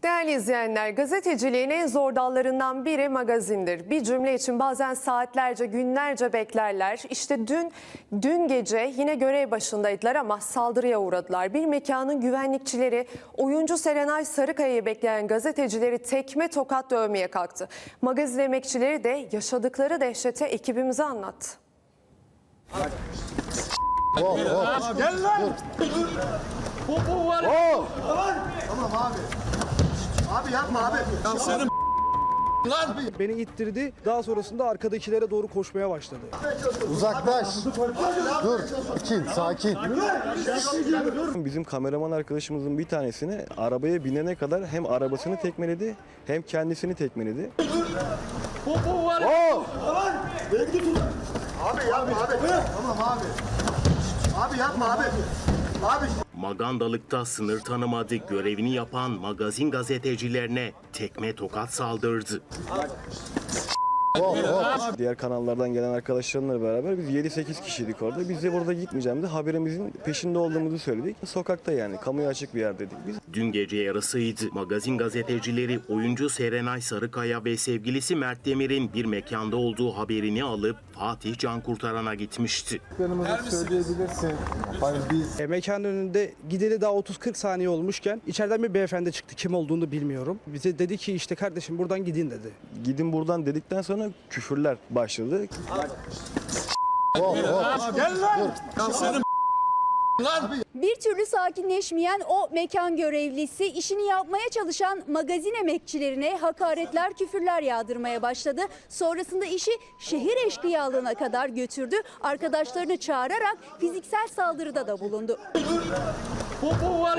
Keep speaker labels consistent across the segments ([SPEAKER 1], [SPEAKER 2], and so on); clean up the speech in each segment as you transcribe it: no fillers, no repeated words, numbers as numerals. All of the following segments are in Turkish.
[SPEAKER 1] Değerli izleyenler, gazeteciliğin en zor dallarından biri magazindir. Bir cümle için bazen saatlerce, günlerce beklerler. İşte dün gece yine görev başındaydılar ama saldırıya uğradılar. Bir mekanın güvenlikçileri oyuncu Serenay Sarıkaya'yı bekleyen gazetecileri tekme tokat dövmeye kalktı. Magazin emekçileri de yaşadıkları dehşeti ekibimize anlattı.
[SPEAKER 2] Gel lan!
[SPEAKER 3] Bu var.
[SPEAKER 2] Tamam abi. Abi yapma abi.
[SPEAKER 3] Ya senin lan.
[SPEAKER 4] Beni ittirdi. Daha sonrasında arkadakilere doğru koşmaya başladı.
[SPEAKER 5] Uzaklaş. Dur. Sakin.
[SPEAKER 6] Bizim kameraman arkadaşımızın bir tanesini arabaya binene kadar hem arabasını tekmeledi hem kendisini tekmeledi.
[SPEAKER 3] Bu var.
[SPEAKER 2] Abi yapma abi. Tamam abi. Abi yapma abi. Abi.
[SPEAKER 7] Magandalıkta sınır tanımadı, görevini yapan magazin gazetecilerine tekme tokat saldırdı.
[SPEAKER 6] Diğer kanallardan gelen arkadaşlarımla beraber biz 7-8 kişiydik orada. Biz de burada gitmeyeceğimizi, haberimizin peşinde olduğumuzu söyledik. Sokakta yani, kamuya açık bir yerdeydik biz.
[SPEAKER 7] Dün gece yarısıydı. Magazin gazetecileri oyuncu Serenay Sarıkaya ve sevgilisi Mert Demir'in bir mekanda olduğu haberini alıp Fatih Cankurtaran'a gitmişti.
[SPEAKER 5] Söyleyebilirsin. Hayır biz.
[SPEAKER 4] Mekanın önünde gideli daha 30-40 saniye olmuşken içeriden bir beyefendi çıktı. Kim olduğunu bilmiyorum. Bize dedi ki işte kardeşim buradan gidin dedi.
[SPEAKER 6] Gidin buradan dedikten sonra küfürler başladı.
[SPEAKER 2] Gel lan!
[SPEAKER 3] Ya senin lan.
[SPEAKER 8] Bir türlü sakinleşmeyen o mekan görevlisi işini yapmaya çalışan magazin emekçilerine hakaretler, küfürler yağdırmaya başladı. Sonrasında işi şehir eşkıyalığına kadar götürdü. Arkadaşlarını çağırarak fiziksel saldırıda da bulundu.
[SPEAKER 3] Bu var.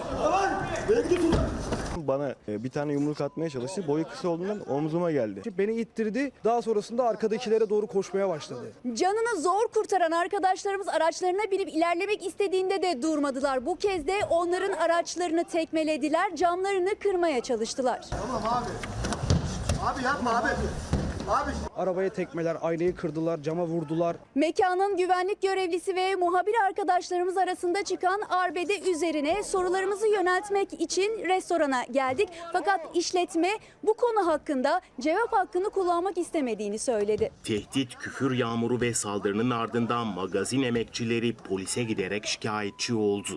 [SPEAKER 6] Bana bir tane yumruk atmaya çalıştı. Boyu kısa olduğundan omzuma geldi.
[SPEAKER 4] Beni ittirdi. Daha sonrasında arkadakilere doğru koşmaya başladı.
[SPEAKER 8] Canını zor kurtaran arkadaşlarımız araçlarına binip ilerlemek istediğinde de durmadılar. Bu kez de onların araçlarını tekmelediler, camlarını kırmaya çalıştılar.
[SPEAKER 2] Tamam abi. Abi yapma abi. Abi.
[SPEAKER 4] Arabaya tekmeler, aynayı kırdılar, cama vurdular.
[SPEAKER 8] Mekanın güvenlik görevlisi ve muhabir arkadaşlarımız arasında çıkan arbede üzerine sorularımızı yöneltmek için restorana geldik. Fakat işletme bu konu hakkında cevap hakkını kullanmak istemediğini söyledi.
[SPEAKER 7] Tehdit, küfür yağmuru ve saldırının ardından magazin emekçileri polise giderek şikayetçi oldu.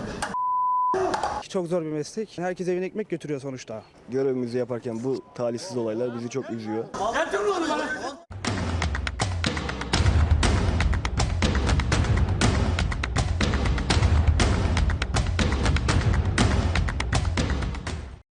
[SPEAKER 4] Çok zor bir meslek. Herkes evine ekmek götürüyor sonuçta.
[SPEAKER 6] Görevimizi yaparken bu talihsiz olaylar bizi çok üzüyor.
[SPEAKER 3] Getir onu bana.